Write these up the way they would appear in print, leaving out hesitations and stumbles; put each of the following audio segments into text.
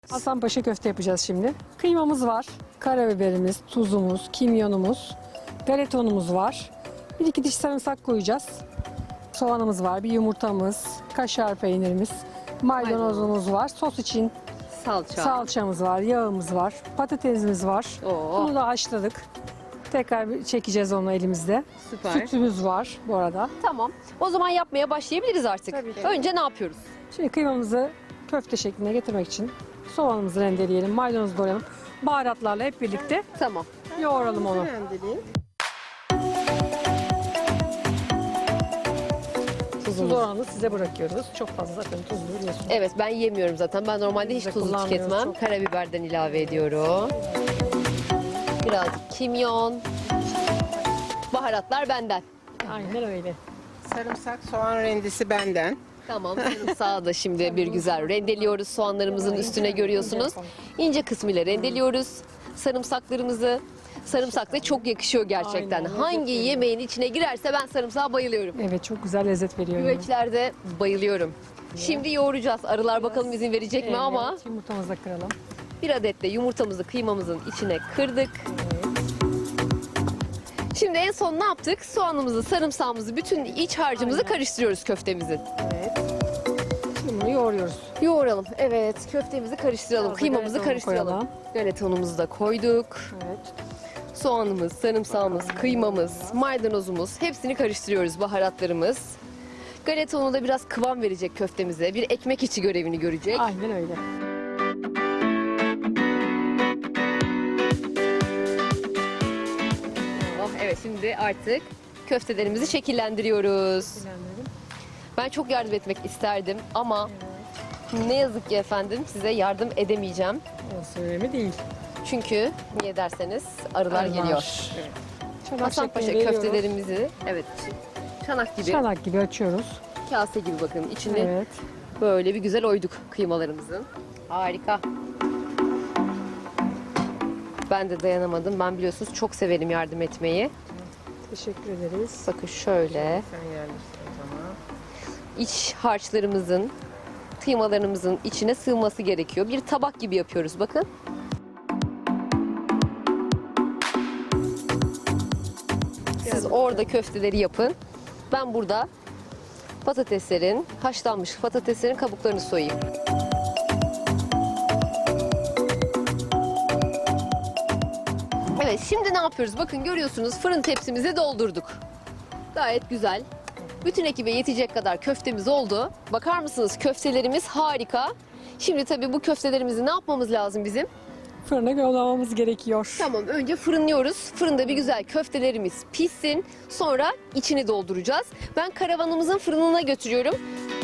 Hasanpaşa köfte yapacağız şimdi. Kıymamız var, karabiberimiz, tuzumuz, kimyonumuz, galeta unumuz var. Bir iki diş sarımsak koyacağız. Soğanımız var, bir yumurtamız, kaşar peynirimiz, maydanozumuz var. Sos için salçamız var, yağımız var, patatesimiz var. Oo. Bunu da haşladık. Tekrar bir çekeceğiz onu elimizde. Süper. Sütümüz var bu arada. Tamam. O zaman yapmaya başlayabiliriz artık. Tabii ki. Önce ne yapıyoruz? Şimdi kıymamızı köfte şekline getirmek için soğanımızı rendeleyelim, maydanozu doğrayalım. Baharatlarla hep birlikte Tamam. yoğuralım onu. Tuzlu oranı size bırakıyoruz. Çok fazla zaten tuzlu biliyorsunuz. Evet, ben yemiyorum zaten. Ben normalde hiç Biz de tuzlu kullanmıyoruz tüketmem. çok. Karabiberden ilave ediyorum. Birazcık kimyon. Baharatlar benden. Aynen öyle. Sarımsak, soğan rendesi benden. Tamam, sarımsağı da şimdi bir güzel rendeliyoruz. Soğanlarımızın üstüne görüyorsunuz. İnce kısmıyla rendeliyoruz sarımsaklarımızı. Sarımsak da çok yakışıyor gerçekten. Aynen, lezzet Hangi veriyor. yemeğin içine girerse ben sarımsağa bayılıyorum. Evet, çok güzel lezzet veriyor. yani. Güveçlerde bayılıyorum. Şimdi yoğuracağız. Arılar bakalım izin verecek mi Evet, ama yumurtamızı da kıralım. bir adet de yumurtamızı kıymamızın içine kırdık. Şimdi en son ne yaptık? Soğanımızı, sarımsağımızı, bütün iç harcımızı Aynen. karıştırıyoruz köftemizin. Evet. Şimdi bunu yoğuruyoruz. Yoğuralım. Evet, köftemizi karıştıralım. Biraz da Kıymamızı galeta unu karıştıralım. koyalım. Galeta unumuzu da koyduk. Evet. Soğanımız, sarımsağımız, kıymamız, maydanozumuz hepsini karıştırıyoruz, baharatlarımız. Galeta unu da biraz kıvam verecek köftemize. Bir ekmek içi görevini görecek. Aynen öyle. Oh, evet, şimdi artık köftelerimizi şekillendiriyoruz. Bilenlerim. Ben çok yardım etmek isterdim ama ne yazık ki efendim size yardım edemeyeceğim. Orası önemli değil. Çünkü niye derseniz arılar Arılar. geliyor. Çanak Hasanpaşa şeklinde veriyoruz. köftelerimizi evet çanak gibi, Çanak gibi açıyoruz. kase gibi bakın içini Evet. böyle bir güzel oyduk kıymalarımızın. Harika. Ben de dayanamadım. Ben biliyorsunuz çok severim yardım etmeyi. Teşekkür ederiz. Bakın şöyle Sen yerleştir o zaman. iç harçlarımızın, kıymalarımızın içine sığması gerekiyor. Bir tabak gibi yapıyoruz bakın. Siz orada köfteleri yapın. Ben burada patateslerin, haşlanmış patateslerin kabuklarını soyayım. Evet, şimdi ne yapıyoruz? Bakın görüyorsunuz fırın tepsimizi doldurduk. Gayet güzel. Bütün ekibe yetecek kadar köftemiz oldu. Bakar mısınız köftelerimiz harika. Şimdi tabii bu köftelerimizi ne yapmamız lazım bizim? Fırına yollamamız gerekiyor. Tamam, önce fırınlıyoruz. Fırında bir güzel köftelerimiz pişsin. Sonra içini dolduracağız. Ben karavanımızın fırınına götürüyorum.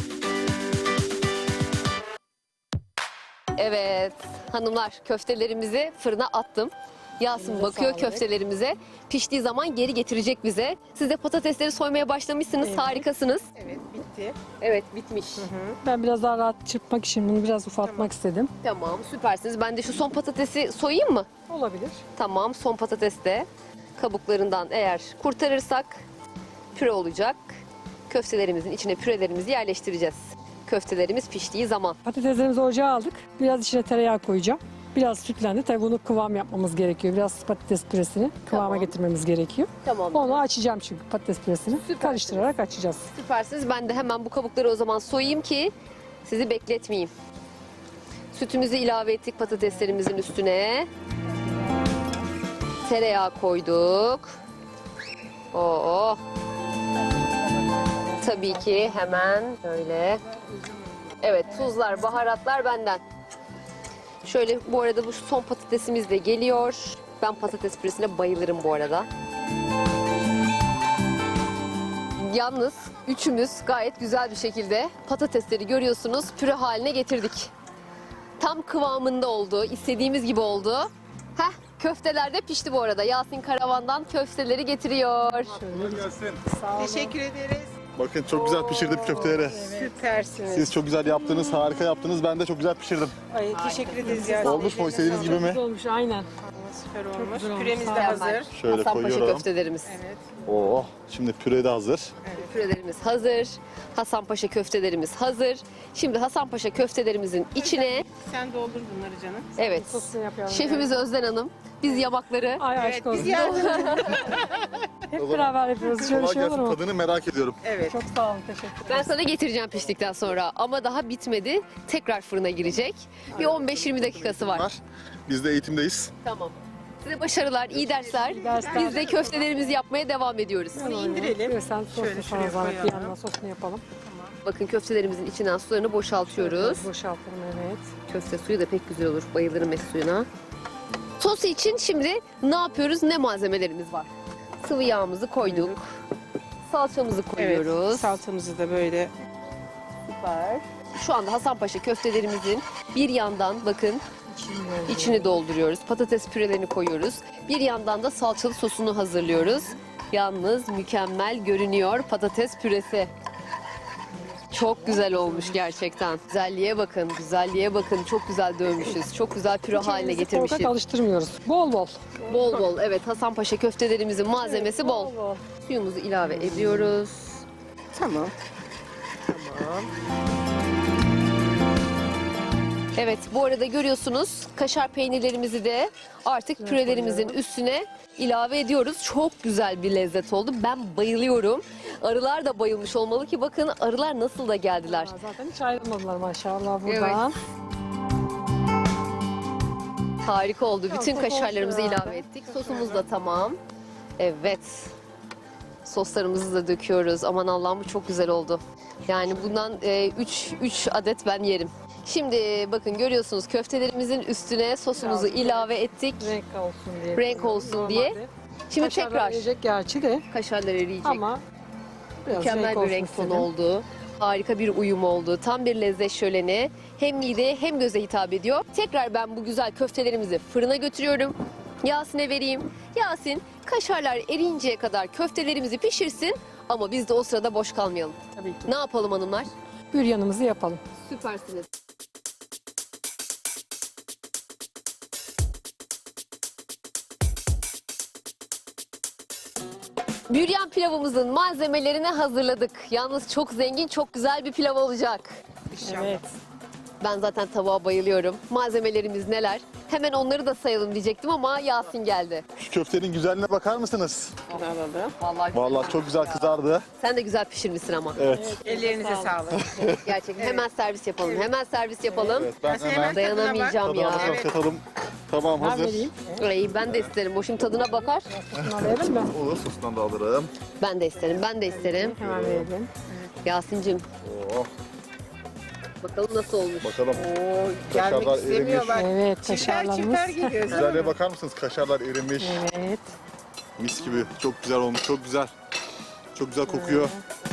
Evet hanımlar, köftelerimizi fırına attım. Yasin Elinize bakıyor sağlık. köftelerimize. Piştiği zaman geri getirecek bize. Siz de patatesleri soymaya başlamışsınız. Evet. Harikasınız. Evet, bitti. Evet, bitmiş. Ben biraz daha rahat çırpmak için bunu biraz ufaltmak istedim. Tamam, süpersiniz. Ben de şu son patatesi soyayım mı? Olabilir. Tamam, son patates de kabuklarından eğer kurtarırsak püre olacak. Köftelerimizin içine pürelerimizi yerleştireceğiz. Köftelerimiz piştiği zaman. Patateslerimizi ocağa aldık. Biraz içine tereyağı koyacağım. Biraz sütlendi. Tabii bunu kıvam yapmamız gerekiyor. Biraz patates püresini kıvama Tamam. getirmemiz gerekiyor. Tamam. Onu açacağım çünkü patates püresini. Süpersiniz. Karıştırarak açacağız. Süpersiniz. Ben de hemen bu kabukları o zaman soyayım ki sizi bekletmeyeyim. Sütümüzü ilave ettik patateslerimizin üstüne. Tereyağı koyduk. Oo. Tabii ki hemen böyle. Evet, tuzlar, baharatlar benden. Şöyle bu arada bu son patatesimiz de geliyor. Ben patates püresine bayılırım bu arada. Yalnız üçümüz gayet güzel bir şekilde patatesleri görüyorsunuz püre haline getirdik. Tam kıvamında oldu, istediğimiz gibi oldu. Heh, köfteler de pişti bu arada. Yasin karavandan köfteleri getiriyor. Sağ olun. Teşekkür ederiz. Bakın çok güzel pişirdim köfteleri. Süpersiniz. Siz çok güzel yaptınız, harika yaptınız. Ben de çok güzel pişirdim. Ay, teşekkür ederiz ya. Olmuş mu? İstediğiniz gibi mi? Güzel olmuş aynen. Süper olmuş. güzel olmuş. Püremiz de Mükemmel. hazır. Şöyle Hasanpaşa koyuyorum. köftelerimiz. Evet. Oo, şimdi püre de hazır. Pürelerimiz hazır. Hasanpaşa köftelerimiz hazır. Şimdi Hasanpaşa köftelerimizin içine Sen doldur bunları canım. evet. Sosunu yapalım. Şefimiz Özden Hanım. Biz yamakları Ay Evet, aşk olsun. biz yardım. Hep beraber yapıyoruz. Şöyle Kolay şey olur gelsin. mu? Tadını merak ediyorum. Evet. Çok sağ olun. Teşekkür ederim. ben sana getireceğim piştikten sonra ama daha bitmedi. Tekrar fırına girecek. Bir 15-20 dakikası var. Biz de eğitimdeyiz. Tamam. Size başarılar, iyi dersler. dersler. Biz de köftelerimizi yapmaya devam ediyoruz. Bunu indirelim. Sen Şöyle sosunu şuraya sana zahmet bir koyalım. yandan sosunu yapalım. Bakın köftelerimizin içinden sularını boşaltıyoruz. Boşaltalım evet. Köfte suyu da pek güzel olur. Bayılırım et suyuna. Sos için şimdi ne yapıyoruz? Ne malzemelerimiz var? Sıvı yağımızı koyduk. Salçamızı koyuyoruz. Evet. Salatamızı da böyle. Süper. Şu anda Hasanpaşa köftelerimizin bir yandan bakın içini dolduruyoruz. Patates pürelerini koyuyoruz. Bir yandan da salçalı sosunu hazırlıyoruz. Yalnız mükemmel görünüyor patates püresi. Çok güzel olmuş gerçekten. Güzelliğe bakın, güzelliğe bakın. Çok güzel dövmüşüz. Çok güzel püre haline Kendimizi getirmişiz. korkak alıştırmıyoruz. Bol bol. Bol bol. Evet, Hasanpaşa köftelerimizin malzemesi bol. Suyumuzu ilave ediyoruz. Tamam. Tamam. Evet, bu arada görüyorsunuz kaşar peynirlerimizi de artık pürelerimizin üstüne ilave ediyoruz. Çok güzel bir lezzet oldu. Ben bayılıyorum. Arılar da bayılmış olmalı ki bakın arılar nasıl da geldiler. Zaten hiç ayrılmadılar maşallah buradan. Harika oldu. Bütün çok kaşarlarımızı oldu ilave ettik. Sosumuz da tamam. Evet. Soslarımızı da döküyoruz. Aman Allah'ım bu çok güzel oldu. Yani bundan 3 adet ben yerim. Şimdi bakın görüyorsunuz köftelerimizin üstüne sosumuzu Biraz ilave ettik. Renk olsun diye. Renk olsun diye. Normalde Şimdi kaşarlar tekrar yiyecek gerçi de kaşarlar eriyecek. ama biraz Mükemmel bir olsun renk tonu istedim. oldu. Harika bir uyum oldu. Tam bir lezzet şöleni. Hem mideye hem göze hitap ediyor. Tekrar ben bu güzel köftelerimizi fırına götürüyorum. Yasin'e vereyim. Yasin kaşarlar eriyinceye kadar köftelerimizi pişirsin. Ama biz de o sırada boş kalmayalım. Tabii ki. Ne yapalım hanımlar? Büryanımızı yapalım. Süpersiniz. Büryan pilavımızın malzemelerini hazırladık. Yalnız çok zengin, çok güzel bir pilav olacak. Evet. Ben zaten tavuğa bayılıyorum. Malzemelerimiz neler? Hemen onları da sayalım diyecektim ama Yasin geldi. Şu köftenin güzelliğine bakar mısınız? Bunu alalım. Vallahi, Vallahi çok güzel kızardı. sen de güzel pişirmişsin ama. Evet. Ellerinize sağlık. Gerçekten. Hemen servis yapalım. Hemen servis yapalım. Evet, ben Aslında hemen Dayanamayacağım ya. tadına Evet. katalım. Tamam Ben hazır. vereyim. Ay, ben de isterim. O şimdi tadına bakar. Sosunu verelim mi? Olur, sosundan da alırım. Ben de isterim. Ben de isterim. Hemen verelim. Yasin'cim Oo, bakalım nasıl olmuş. bakalım. Oo, gelmek Kaşarlar istemiyorlar. Evet Çifter kaşarlarımız. çifter geliyor. Güzelliğe bakar mısınız? Kaşarlar erimiş. Evet. Mis gibi. Çok güzel olmuş. Çok güzel. Çok güzel kokuyor.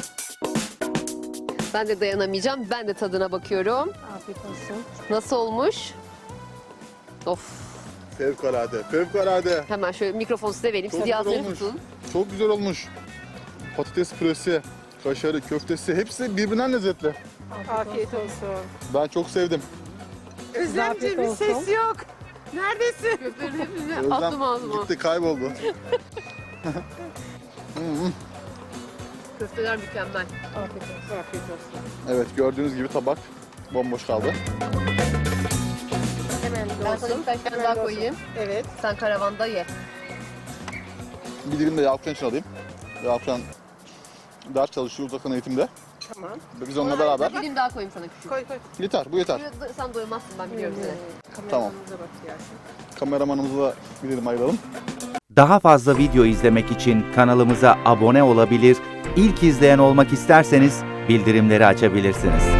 Ben de dayanamayacağım. Ben de tadına bakıyorum. Afiyet olsun. Nasıl olmuş? Of. Fevkalade. Fevkalade. Hemen şöyle mikrofonu size vereyim. Çok Siz güzel Yasin'i olmuş. tutun. Çok güzel olmuş. Patates püresi, kaşarı, köftesi hepsi birbirinden lezzetli. Afiyet olsun. Ben çok sevdim. Özlemciğim bir olsun. ses yok. Neredesin? Köftelerin hepsini Özlem attım ağzıma. gitti, kayboldu. Köfteler mükemmel. Afiyet olsun. Afiyet olsun. Evet, gördüğünüz gibi tabak bomboş kaldı. Hemen Ben sana dolsun. birkaç tane Hemen daha dolsun. koyayım. Evet. Sen karavanda ye. Bir dilim de Yalçın için alayım. Yalçın ders çalışıyor uzaktan eğitimde. Tamam. Biz onunla beraber. Bir dilim daha koyayım sana küçük. Koy koy. Yeter, bu yeter. Sen doymazsın ben biliyorum seni. Tamam. Kameramanımıza bak Yasin. Kameramanımızı da bir dilim ayıralım. Daha fazla video izlemek için kanalımıza abone olabilir, ilk izleyen olmak isterseniz bildirimleri açabilirsiniz.